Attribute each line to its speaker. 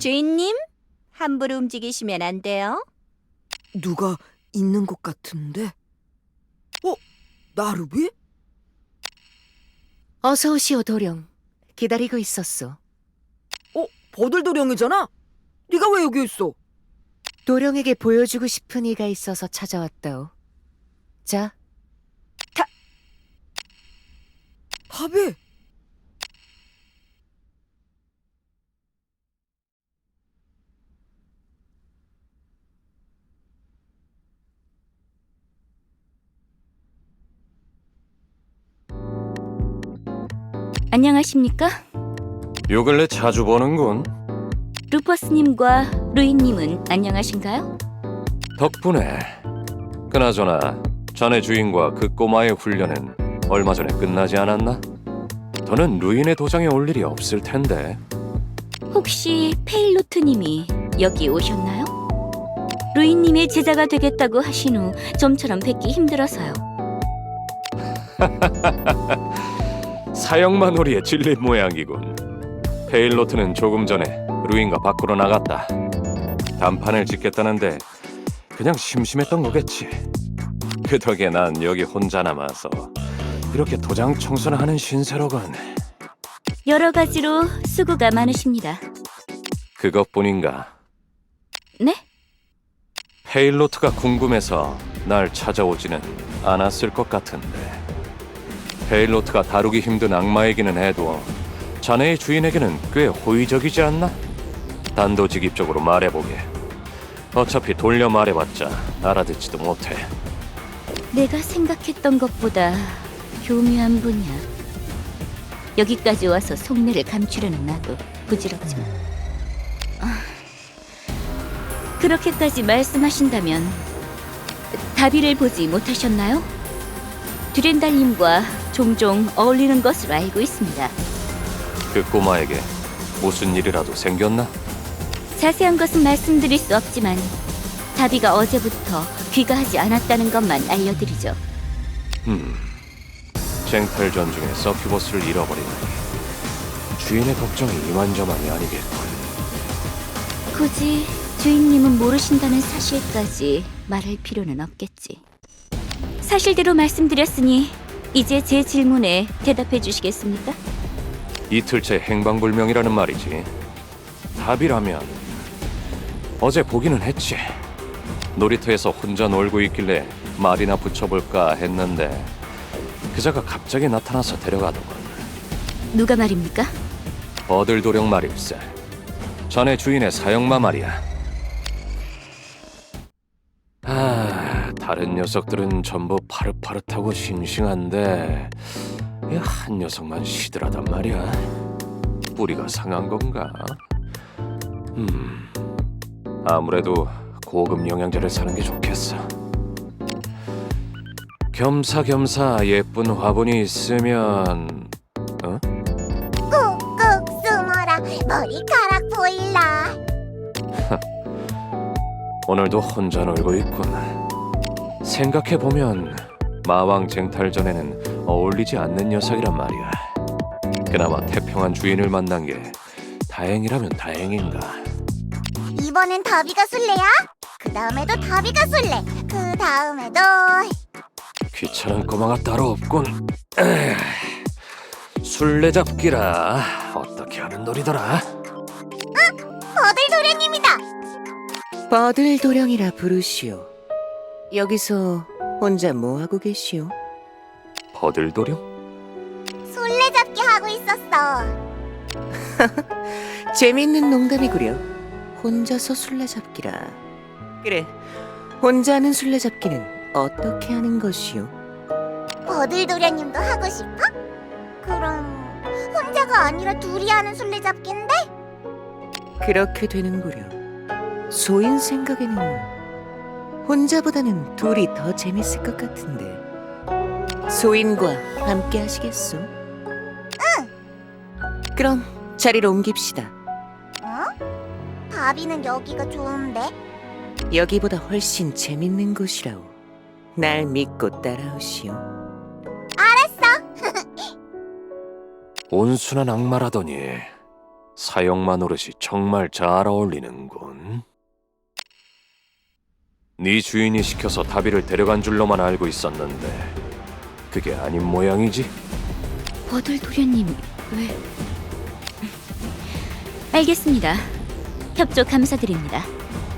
Speaker 1: 주인님, 함부로 움직이시면 안 돼요.
Speaker 2: 누가 있는 것 같은데? 나루비?
Speaker 3: 어서 오시오, 도령. 기다리고 있었소.
Speaker 2: 버들도령이잖아? 네가 왜 여기 있어?
Speaker 3: 도령에게 보여주고 싶은 이가 있어서 찾아왔다오. 자,
Speaker 2: 밥이!
Speaker 1: 안녕하십니까?
Speaker 4: 요 근래 자주 보는군.
Speaker 1: 루퍼스님과 루이님은 안녕하신가요?
Speaker 4: 덕분에. 그나저나 자네 주인과 그 꼬마의 훈련은 얼마 전에 끝나지 않았나? 더는 루인의 도장에 올 일이 없을 텐데.
Speaker 1: 혹시 페일로트님이 여기 오셨나요? 루이님의 제자가 되겠다고 하신 후 좀처럼 뵙기 힘들어서요.
Speaker 4: 사형마놀이에 질린 모양이군. 페일로트는 조금 전에 루인과 밖으로 나갔다. 단판을 짓겠다는데 그냥 심심했던 거겠지. 그 덕에 난 여기 혼자 남아서 이렇게 도장 청소나 하는 신세로군.
Speaker 1: 여러 가지로 수고가 많으십니다.
Speaker 4: 그것뿐인가?
Speaker 1: 네?
Speaker 4: 페일로트가 궁금해서 날 찾아오지는 않았을 것 같은데. 페일로트가 다루기 힘든 악마이기는 해도 자네의 주인에게는 꽤 호의적이지 않나? 단도직입적으로 말해보게. 어차피 돌려 말해봤자 알아듣지도 못해.
Speaker 1: 내가 생각했던 것보다 교묘한 분이야. 여기까지 와서 속내를 감추려는 나도 부질없지만. 그렇게까지 말씀하신다면 다비를 보지 못하셨나요? 드렌달님과 종종 어울리는 것으로 알고 있습니다.
Speaker 4: 그 꼬마에게 무슨 일이라도 생겼나?
Speaker 1: 자세한 것은 말씀드릴 수 없지만 다비가 어제부터 귀가하지 않았다는 것만 알려드리죠.
Speaker 4: 쟁탈 전중에 서큐버스를 잃어버리니 주인의 걱정이 이만저만이 아니겠군.
Speaker 1: 굳이 주인님은 모르신다는 사실까지 말할 필요는 없겠지. 사실대로 말씀드렸으니 이제 제 질문에 대답해 주시겠습니까?
Speaker 4: 이틀째 행방불명이라는 말이지. 답이라면 어제 보기는 했지. 놀이터에서 혼자 놀고 있길래 말이나 붙여볼까 했는데 그자가 갑자기 나타나서 데려가더군.
Speaker 1: 누가 말입니까?
Speaker 4: 버들도령 말일세. 자네 주인의 사형마 말이야. 다른 녀석들은 전부 파릇파릇하고 싱싱한데 이 한 녀석만 시들하단 말이야. 뿌리가 상한 건가? 아무래도 고급 영양제를 사는 게 좋겠어. 겸사겸사 예쁜 화분이 있으면
Speaker 5: 꾹꾹 숨어라 머리카락 보일라.
Speaker 4: 오늘도 혼자 놀고 있군. 생각해보면 마왕 쟁탈전에는 어울리지 않는 녀석이란 말이야. 그나마 태평한 주인을 만난 게 다행이라면 다행인가.
Speaker 5: 이번엔 다비가 술래야? 그 다음에도 다비가 술래. 그 다음에도
Speaker 4: 귀찮은 꼬마가 따로 없군. 술래잡기라 어떻게 하는 놀이더라?
Speaker 5: 버들도련님이다.
Speaker 3: 버들 도령이라 부르시오. 여기서 혼자 뭐하고 계시오?
Speaker 4: 버들도령?
Speaker 5: 술래잡기 하고 있었어.
Speaker 3: 재밌는 농담이구려. 혼자서 술래잡기라. 그래, 혼자 하는 술래잡기는 어떻게 하는 것이오?
Speaker 5: 버들도련님도 하고 싶어? 그럼 혼자가 아니라 둘이 하는 술래잡기인데?
Speaker 3: 그렇게 되는구려. 소인 생각에는 혼자보다는 둘이 더 재밌을 것 같은데. 소인과 함께 하시겠소? 응. 그럼 자리로 옮깁시다.
Speaker 5: 어? 다비는 여기가 좋은데?
Speaker 3: 여기보다 훨씬 재밌는 곳이라오. 날 믿고 따라오시오.
Speaker 5: 알았어.
Speaker 4: 온순한 악마라더니 사형만 노릇이 정말 잘 어울리는군. 네 주인이 시켜서 다비를 데려간 줄로만 알고 있었는데 그게 아닌 모양이지?
Speaker 1: 버들 도련님이 왜... 알겠습니다. 협조 감사드립니다.